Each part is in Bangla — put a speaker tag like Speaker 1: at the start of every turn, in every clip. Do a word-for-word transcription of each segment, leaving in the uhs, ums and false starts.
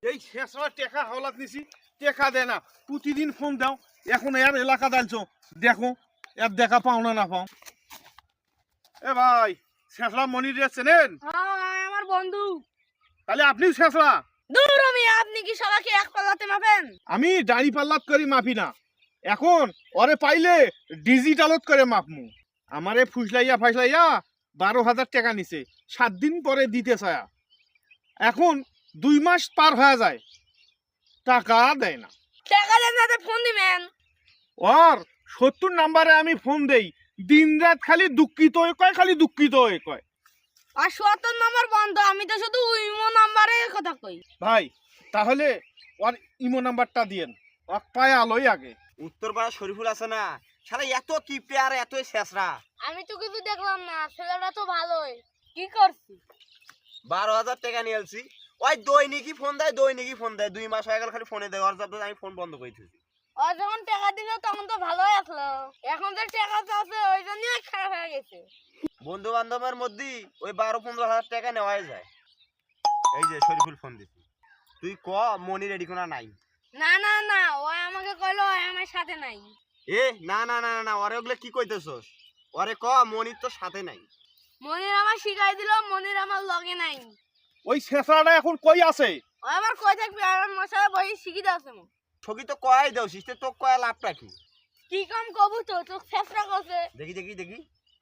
Speaker 1: এই শেষরা টেকা হাওলাত নিছি, টেকা দেয় না, প্রতিদিন ফোন দাও। এখন এর এলাকা দালছো, দেখো এর দেখা পাও না না পাও। এ ভাই, শেষরা মনির চেনেন?
Speaker 2: হ্যাঁ, আমার বন্ধু।
Speaker 1: তাহলে আপনিও শেষরা?
Speaker 2: দূর আমি, আপনি কি সবাইকে এক পাল্লাতে মাপেন?
Speaker 1: আমি দাড়ি পাল্লাত করি মাপি না, এখন ওরে পাইলে ডিজিটালত করে মাপমু। আমারে ফুসলাইয়া ফাইসলাইয়া বারো হাজার টাকা নিছে, সাত দিন পরে দিতে চায়া। এখন দুই মাস পার হয়ে যায়, টাকা দেয় না।
Speaker 2: টাকা দেন না, ফোন দিবেন।
Speaker 1: ওর সত্তর নাম্বারে আমি ফোন দেই, দিন রাত খালি দুঃখিত হয়ে কয়, খালি দুঃখিত হয়ে কয়।
Speaker 2: আর সত্তর নম্বর বন্ধ, আমি তো শুধু ইমো নাম্বারে কথা কই।
Speaker 1: ভাই তাহলে ওর ইমো নাম্বারটা দিয়েন, ওর পায়ে আলোই আগে।
Speaker 3: উত্তরপাড়া শরীফুল আছে না, শালা এত কিপটে আর এত শেষরা।
Speaker 2: আমি তো কিছু দেখলাম না, ছেলেটা তো ভালোই। কি করছি?
Speaker 3: বারো হাজার টাকা নিয়ে এলছি। ওই দৈনিকই ফোন দেয়, দৈনিকই ফোন দেয়, দুই মাস হয়ে গেল খালি ফোনে দেয়। ওর জব আমি ফোন বন্ধ করে দিয়েছি।
Speaker 2: ও যখন টাকা দিল তখন তো ভালোই আসলো, এখন যে টাকা চাচ্ছে ওই জন্যই খারাপ হয়ে গেছে।
Speaker 3: বন্ধু বান্ধবের মধ্যে ওই বারো পনেরো হাজার টাকা নেওয়াই যায়। এই যে শরীফুল ফোন দিছি, তুই ক মনি রেডি কোনা নাই?
Speaker 2: না না না, ও আমাকে কইলো ও আমার সাথে নাই।
Speaker 3: এ না না না না, ওরে ওগুলো কি কইতেছস? ওরে ক মনির তো সাথে নাই।
Speaker 2: মনির আমার শিখাই দিল, মনির আমার লগে নাই।
Speaker 1: ওই শেষরাটা এখন কই আছে?
Speaker 2: ও আমার কই থাকবে, আমার মশাই বই শিখি দাও তুমি।
Speaker 3: ছবি তো কয়াই দেও, সিস্টে তো কয়া লাভটা কি?
Speaker 2: কি কাম কবু তো তো ফেসরা করছে।
Speaker 3: দেখি দেখি দেখি,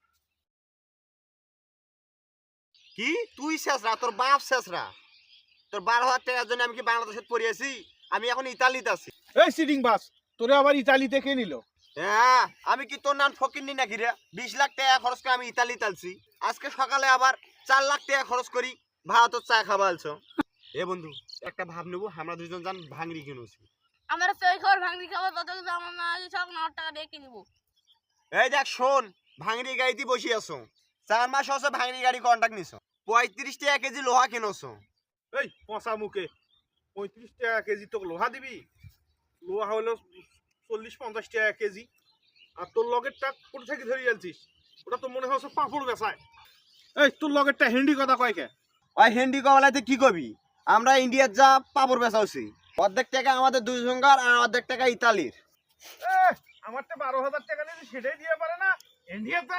Speaker 3: কি তুই শেষরা? তোর বাপ শেষরা? তোর বারো হাজার টাকার জন্য আমি কি বাংলাদেশে পড়িয়েছি? আমি এখন ইতালিতে আছি।
Speaker 1: এই সিটিং বাস, তোরে আবার ইতালি থেকে নিল?
Speaker 3: হ্যাঁ, আমি কি তোর নাম ফকির নি নাকি রে? বিশ লাখ টাকা খরচ করে আমি ইতালিতে আছি, আজকে সকালে আবার চার লাখ টাকা খরচ করি ভারতের চা খাবা আলছো। এ বন্ধু, একটা ভাব নেবো, আমরা দুজন যান ভাঙড়ি কিনেছি।
Speaker 2: আমার সই খবর ভাঙনি খাবার তত কিছু আমার না সব ন টাকা দিয়ে কিনবো।
Speaker 3: এই দেখ শোন, ভাঙড়ি গাড়িতে বসে আছো, চার মাস হচ্ছে ভাঙড়ি গাড়ি কন্ট্যাক্ট নিছো, পঁয়ত্রিশ টাকা কেজি লোহা কিনোছো।
Speaker 1: এই পচা মুখে, পঁয়ত্রিশ টাকা কেজি তোকে লোহা দিবি? লোহা হলো চল্লিশ পঞ্চাশ টাকা কেজি, আর তোর লগেরটা কোথা থেকে ধরে আনছিস? ওটা তো মনে হচ্ছে পাঁপড় বেচায়। এই তোর লগেরটা হিন্দি কথা কয় কে?
Speaker 3: ওই হিন্দি কমলাতে কি কবি? আমরা ইন্ডিয়ার যা পাপড় বেচাওছি, অর্ধেক টাকা আমাদের দুই জঙ্গার আর অর্ধেক টাকা ইতালির।
Speaker 1: আমারটা বারো হাজার টাকা নিয়েছি, সেটাই দিয়ে পারে না ইন্ডিয়াটা।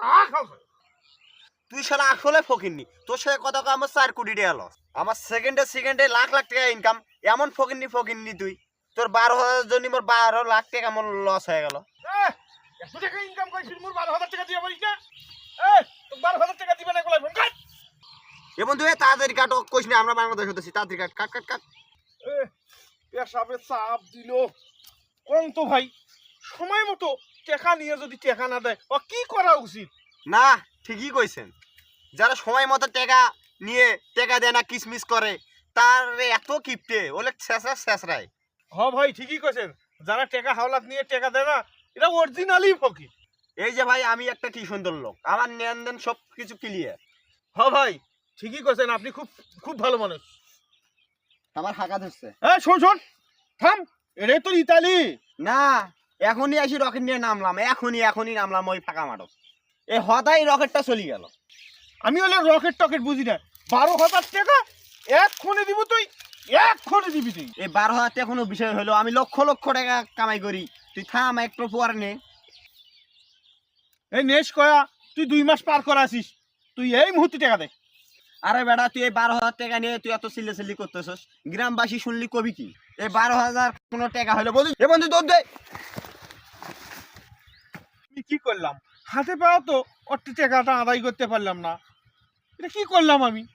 Speaker 3: তুই সারা আসলে ফকিরনি, তোর সাথে কথা কয় আমার চার কোটি টাকা লস। আমার সেকেন্ডে সেকেন্ডে লাখ লাখ টাকা ইনকাম, এমন ফকিরনি ফকিরনি তুই। তোর বারো হাজার জন্য মোর বারো লাখ টাকা আমার লস হয়ে গেল।
Speaker 1: এত টাকা ইনকাম করেছিস, মোর বারো হাজার টাকা দিয়ে পারিস না? বারো হাজার টাকা দিবে না গোলাই ফোন কাট।
Speaker 3: এবং তুই তাড়াতাড়ি কাটো, কইস না আমরা বাংলাদেশ হতেছি, তাড়াতাড়ি কাট কাট কাট কাট।
Speaker 1: পেশাবে চাপ দিল কোন তো ভাই, সময় মতো টাকা নিয়ে যদি টাকা না দেয় ও কি করা উচিত?
Speaker 3: না, ঠিকই কইছেন, যারা সময় মতো টাকা নিয়ে টাকা দেয় না, কিসমিস করে, তার এত কিপটে ওলে শেষরা শেষরায়।
Speaker 1: হ ভাই ঠিকই কইছেন, যারা টাকা হাওলাত নিয়ে টাকা দেয় না এটা অরিজিনালি ফকির।
Speaker 3: এই যে ভাই, আমি একটা কি সুন্দর লোক, আমার লেনদেন সব কিছু ক্লিয়ার।
Speaker 1: হ ভাই ঠিকই কইছেন, আপনি খুব খুব ভালো মানুষ।
Speaker 3: আমার হাঁকা ধরছে।
Speaker 1: হ্যাঁ শোন শোন, থাম, এটাই তো ইতালি
Speaker 3: না, এখনই আসি রকেট নিয়ে নামলাম, এখনই এখনই নামলাম ওই ফাঁকা মাঠক। এই হঠাৎ রকেটটা চলে গেল।
Speaker 1: আমি হলে রকেট টকেট বুঝি না, বারো হাজার টাকা এক ক্ষণে দিব, তুই এক ক্ষণে দিবি তুই?
Speaker 3: এই বারো হাজার টাকা কোনো বিষয় হলো, আমি লক্ষ লক্ষ টাকা কামাই করি, তুই থাম একটু পর নে।
Speaker 1: এই নেশ কয়া তুই দুই মাস পার করে আসিস, তুই এই মুহূর্তে টাকা দে।
Speaker 3: আরে বেটা, তুই এই বারো হাজার টাকা নিয়ে তুই এত চিল্লে চিল্লি করতেছস, গ্রামবাসী শুনলি কবি কি? এই বারো হাজার কোনো টাকা হলো বন্ধু, এ বন্ধু দৌড় দে।
Speaker 1: আমি কি করলাম? হাতে পাওয়া তো অর্থ টাকাটা আদায় করতে পারলাম না, এটা কি করলাম আমি?